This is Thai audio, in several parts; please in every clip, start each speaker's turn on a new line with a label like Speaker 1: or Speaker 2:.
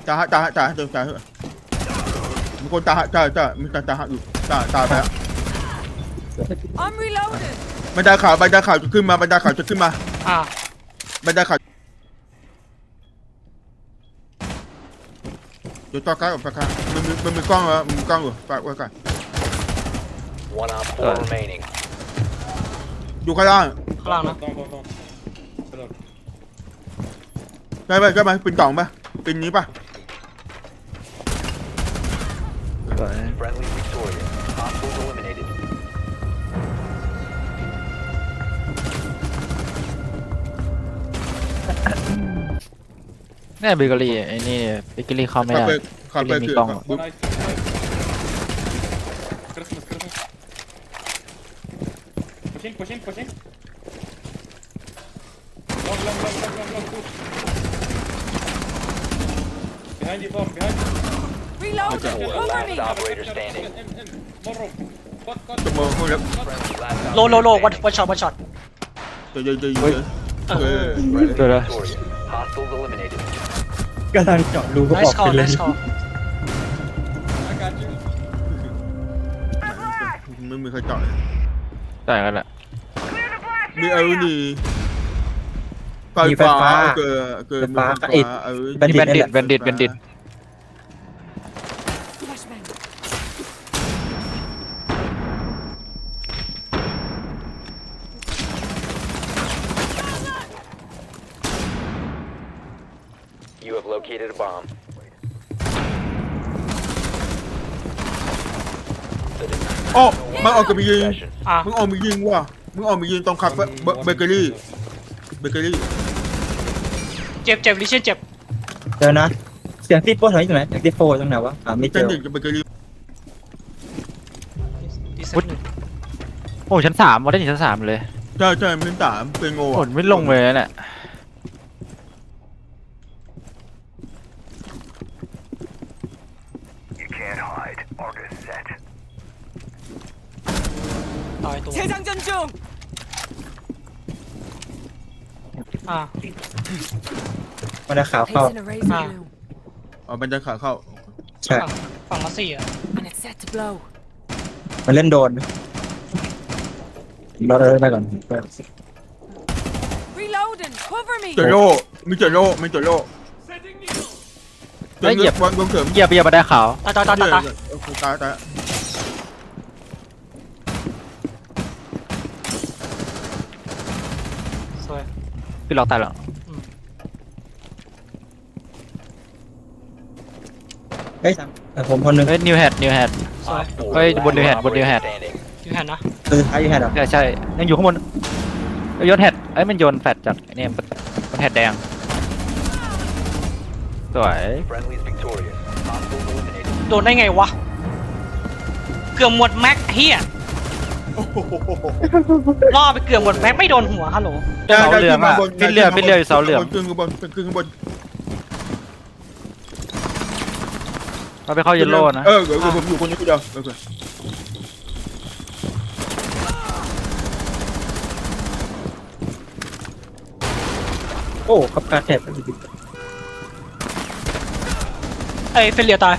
Speaker 1: จ่ามีคนจ่ามีจ่าอยู่จ่าไปแล้ว
Speaker 2: I'm reloading.
Speaker 1: บันไดขาวจะขึ้นมาบันไดขาวจะขึ้นมาบันไดขาวเดี๋ยวต่อการกับการมันมีกล้องเหรอมีกล้องอยู่ฝากไว้ก่อน
Speaker 3: One op 4 remaining.
Speaker 1: อยู่ข้างล่างนะใช่ไหมเป็นกล่องป่ะเป็นนี้ป่ะ
Speaker 3: Friendly victorious. Hostiles eliminated.
Speaker 4: นี่เบเกอรี่ไอ้นี่เบเกอรี่เข้าไม่ได้
Speaker 1: ขับไป
Speaker 4: มี
Speaker 1: คือก
Speaker 4: ล้อง
Speaker 5: Pushing. Long. Push. Behind you, Tom. Behind you.
Speaker 2: Reloading.
Speaker 3: Four
Speaker 2: Cover
Speaker 3: last
Speaker 2: me.
Speaker 3: operator standing.
Speaker 5: In. More rope. Cut.
Speaker 1: จะมองคนแล้ว
Speaker 3: Friendly last
Speaker 6: โล
Speaker 3: operator
Speaker 6: วันช็อต
Speaker 1: จะเยอะ
Speaker 3: Friendly
Speaker 4: เดี๋ยวนะ
Speaker 3: victorious. Hostiles eliminated.
Speaker 7: กำลังเจาะรูก็อ
Speaker 6: nice
Speaker 7: อก
Speaker 6: call
Speaker 7: ไปเลย
Speaker 6: nice call
Speaker 5: I got you.
Speaker 1: ไม่มีใครจ่าย
Speaker 4: ได้กันแหละ
Speaker 1: มีไอ้นี่ไฟฟ้าเกิดมีไฟฟ้าไอ้
Speaker 7: แบนดิตนี่แหละ
Speaker 4: แบนดิต
Speaker 2: Flashbang.
Speaker 3: You have located a bomb. The diffuser
Speaker 1: โอ้มันออกกับมียิง
Speaker 3: possession.
Speaker 1: มึงออกมียิงว่ะมึงออกมียิงตรงคาเฟ่เบเกอรี่
Speaker 6: เจ็บลิเช่นเจ็บ
Speaker 7: เดี๋ยวนะเสียงที่โป้ถอยตรงไหนเสียงที่โฟตรงไหนวะไม่เจ
Speaker 1: เส้น
Speaker 7: อ
Speaker 1: หนึ่งกับเบเกอรี่
Speaker 6: ดีเซ
Speaker 4: อุ๊ย
Speaker 6: น
Speaker 4: โอ้ชั้น 3มาได้ถึงชั้น 3เลย
Speaker 1: ใช่เป็นสามเป็นโง่
Speaker 4: ฝนไม่ลงเลยเนี่ย
Speaker 6: ตายตัว
Speaker 2: 재장전 중.
Speaker 7: มันจะขาวเข้า
Speaker 2: Placing a razor
Speaker 6: Ah.
Speaker 2: bloom.
Speaker 1: เอาบันไดขาเข้า
Speaker 7: ใช่
Speaker 6: ฝั่งละ4
Speaker 2: And it's set to blow.
Speaker 7: มันเล่นโดนเราเดินไปก่อน
Speaker 2: Reloading. Cover me.
Speaker 1: เจโร่มีเจโร่
Speaker 4: แล้วเหยียบ
Speaker 1: วางลงเสริม
Speaker 4: เหยียบมาได้ขาว
Speaker 6: ตาย
Speaker 1: ตาย
Speaker 6: สวย
Speaker 4: พี่ล็อกตายแล้ว
Speaker 7: เฮ้ยผมคนหนึ่ง
Speaker 4: เฮ้ยนิวแฮด
Speaker 6: สวย
Speaker 3: Op 4
Speaker 4: Hey,
Speaker 3: last
Speaker 4: bun new head,
Speaker 3: operator
Speaker 4: head.
Speaker 3: standing.
Speaker 6: อยู่แฮนนะ
Speaker 7: ตัวสุดท้ายอยู่แฮนด์เหรอ
Speaker 4: ใช่ยังอยู่ข้างบนโยนแฮดมันโยนแฟดจากเนี่ยมันแฮดแดงสวย
Speaker 3: Friendly's victorious. Hostiles eliminated.
Speaker 6: โดนได้ไงวะเกือบหมดแม็กเฮียล่อไปเกือบหมดแม็กไม่โดนหัวฮัลโหล
Speaker 4: เสาเหลืองอะเป็นเรืออยู่เสาเหลือง
Speaker 1: ขึ้นข้างบน
Speaker 4: เราไปเข้าเยลโล่นะ
Speaker 1: เดี๋ยวผมอยู่คนนี้คนเดียวโอเค
Speaker 7: โอ้ขับการแทบ
Speaker 6: เอ้ยเฟลเลียตาย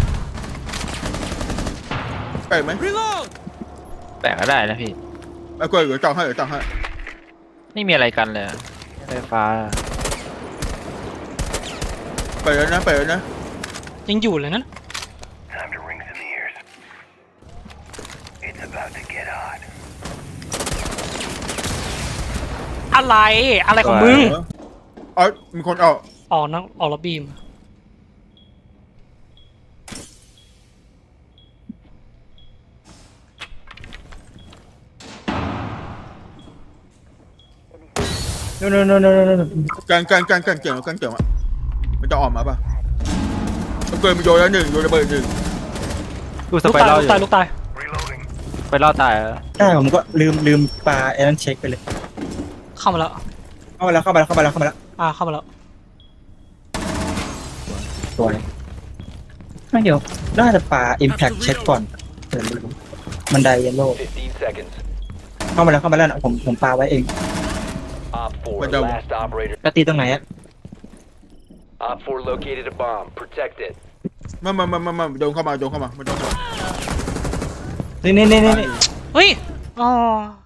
Speaker 1: ไปไหม
Speaker 4: แต่ก็ได้นะพี่
Speaker 1: ไอ้กล้วยเดี๋ยวจังให้
Speaker 4: ไม่มีอะไรกันเลยไฟฟ้า
Speaker 1: ไปแล้วนะ
Speaker 6: ยังอยู่เลยนั่นอะไรของมึง
Speaker 1: อ๋อมีคนออก
Speaker 6: ออกนะออกล็อบบี้มา
Speaker 7: โน่
Speaker 1: กันเกี่ยวอ่ะมันจะออกมาป่ะเกิดมันโยนแล้วหนึ่งโยนระเบิดหนึ่ง
Speaker 4: ดูส
Speaker 6: ลูก
Speaker 4: ไป
Speaker 6: ตาย
Speaker 4: รัล
Speaker 6: ลู
Speaker 4: อก ยู่
Speaker 6: ตาย
Speaker 4: ไปรอดตาย
Speaker 7: ได้ผมก็ลืมปลาไอ้นั้นเช็คไปเลย
Speaker 6: เข้ามาแล้ว
Speaker 7: เข้ามาแล้ว
Speaker 6: เข้ามาแล้ว
Speaker 7: สวยไม่เดี๋ยวน่าจะปลา impact เช็คก่อนบันไดเยลโล่
Speaker 3: 15 seconds.
Speaker 7: เข้ามาแล้วนะผมปลาไว้เอง
Speaker 3: Op 4 last operator.
Speaker 7: แล้วตีตรงไหนอะ
Speaker 3: Op 4 located a bomb. Protect it.
Speaker 1: มาโดนเข้ามาไม่ต้องเข้ามา
Speaker 7: นี่
Speaker 6: เฮ้ยอ๋อ